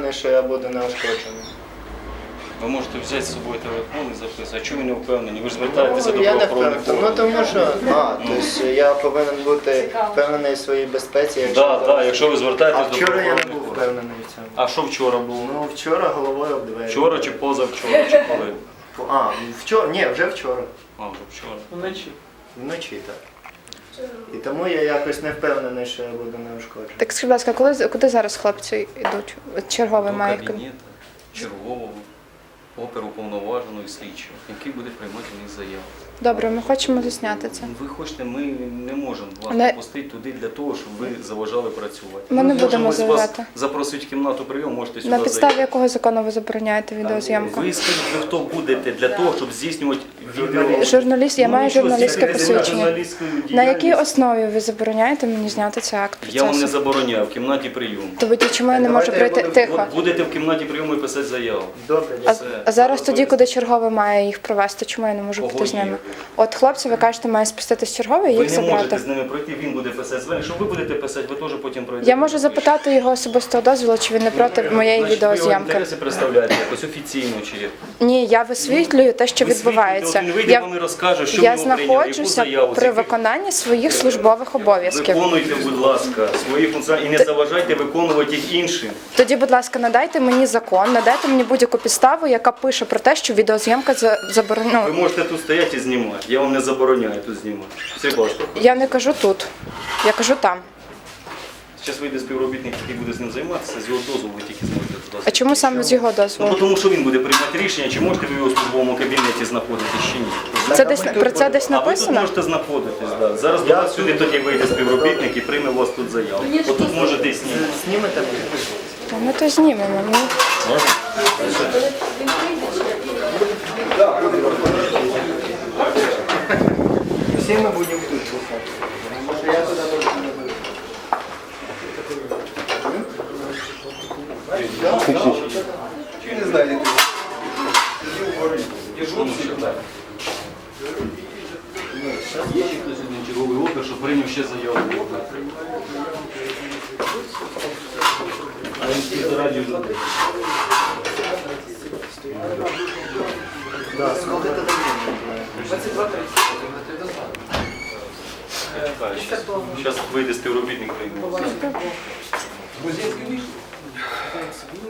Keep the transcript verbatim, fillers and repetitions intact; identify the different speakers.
Speaker 1: впевнений, що я буду неушкоджений.
Speaker 2: Ви можете взяти з собою телефон і записати. А чому ви не впевнені? Ви ж звертаєтеся
Speaker 1: Ну,
Speaker 2: до
Speaker 1: я не
Speaker 2: правоохоронних
Speaker 1: впевнений. Ну
Speaker 2: органів.
Speaker 1: тому що, а, тобто я повинен бути впевнений в своїй безпеці. Якщо
Speaker 2: Так, так, якщо ви
Speaker 1: А
Speaker 2: звертаєтесь до
Speaker 1: вчора я не
Speaker 2: правоохоронних
Speaker 1: був
Speaker 2: органів.
Speaker 1: впевнений в цьому.
Speaker 2: А що вчора було?
Speaker 1: Ну вчора головою об двері.
Speaker 2: Вчора чи позавчора, чи коли?
Speaker 1: А, вчора, ні, вже вчора.
Speaker 2: А, вже вчора.
Speaker 3: Вночі.
Speaker 1: Вночі так. І тому я якось не впевнений, що я буду неушкоджений.
Speaker 4: Так скажіть, будь ласка, коли, куди зараз хлопці йдуть? От черговий
Speaker 2: До
Speaker 4: має.
Speaker 2: кабінету чергового, оперуповноваженого і слідчого, який буде приймати у них заяву.
Speaker 4: Добре, ми хочемо засняти це.
Speaker 2: Ви хочете, ми не можемо вас
Speaker 4: Не-
Speaker 2: пустити туди для того, щоб ви заважали працювати.
Speaker 4: Ми не будемо
Speaker 2: можемо
Speaker 4: заважати.
Speaker 2: вас запросити в кімнату прийому, можете сюди
Speaker 4: На підставі
Speaker 2: заїхати.
Speaker 4: якого закону ви забороняєте відеозйомку?
Speaker 2: Ви скажіть, ви хто будете для того, щоб здійснювати відео?
Speaker 4: Журналіст, я
Speaker 2: Ну,
Speaker 4: маю
Speaker 2: нічого,
Speaker 4: журналістське
Speaker 2: секретаря
Speaker 4: посвідчення.
Speaker 2: журналістської
Speaker 4: На якій
Speaker 2: діяльності.
Speaker 4: основі ви забороняєте мені зняти цей акт
Speaker 2: Я вам не
Speaker 4: процесу?
Speaker 2: забороняю в кімнаті прийому.
Speaker 4: То тоді чому я не
Speaker 1: Давайте
Speaker 4: можу
Speaker 1: я
Speaker 4: прийти?
Speaker 1: буду-
Speaker 4: Тихо.
Speaker 2: От будете в кімнаті прийому і писати заяву.
Speaker 1: Добре,
Speaker 4: А,
Speaker 1: дякую.
Speaker 4: а зараз тоді, куди черговий має їх провести, чому я не можу
Speaker 2: Кого
Speaker 4: бути з ними?
Speaker 2: є?
Speaker 4: От хлопці, ви кажете, має спуститись черговий і
Speaker 2: Ви
Speaker 4: їх
Speaker 2: не можете
Speaker 4: забрати.
Speaker 2: з ними пройти, він буде писати звернення. Якщо ви будете писати, ви теж потім пройдете.
Speaker 4: Я можу запитати його особистого дозволу, чи він не проти моєї
Speaker 2: Значить, ви його
Speaker 4: відеозйомки.
Speaker 2: інтереси представляєте якось офіційно чи як?
Speaker 4: Ні, я висвітлюю те, що відбувається.
Speaker 2: Він вийде,
Speaker 4: Я,
Speaker 2: вам і розкаже, що
Speaker 4: я
Speaker 2: в нього прийняли, яку
Speaker 4: знаходжуся
Speaker 2: заяву.
Speaker 4: при виконанні своїх службових обов'язків.
Speaker 2: Виконуйте, будь ласка, свої функціоналі і не заважайте виконувати їх іншим.
Speaker 4: Тоді, будь ласка, надайте мені закон, надайте мені будь-яку підставу, яка пише про те, що відеозйомка за-
Speaker 2: Ви
Speaker 4: заборонена.
Speaker 2: можете тут стояти і знімати. Я вам не забороняю тут знімати. Все, будь ласка.
Speaker 4: Я не кажу тут, я кажу там.
Speaker 2: Зараз вийде співробітник, який буде з ним займатися, з його дозволу ви тільки зможете туди.
Speaker 4: А чому саме з його
Speaker 2: Ну,
Speaker 4: дозволу?
Speaker 2: тому що він буде приймати рішення, чи можете ви в його службовому кабінеті знаходитись чи ні.
Speaker 4: Це десь про це десь
Speaker 2: А ви тут
Speaker 4: написано?
Speaker 2: можете знаходитись, да. Зараз до вас сюди тоді вийде співробітник і прийме у вас тут заяву. Отут можете знімати.
Speaker 1: Знімете мене?
Speaker 4: Та ми то знімемо. Ну,
Speaker 1: Всі ми будемо тут слухати. Може я туди точно не буду. Не знаю,
Speaker 2: Є ще хтось один черговий опер, що прийняв ще заяву. А інспектора дежурні.
Speaker 1: Да, сколько это
Speaker 2: Зараз вийде співробітник прийме.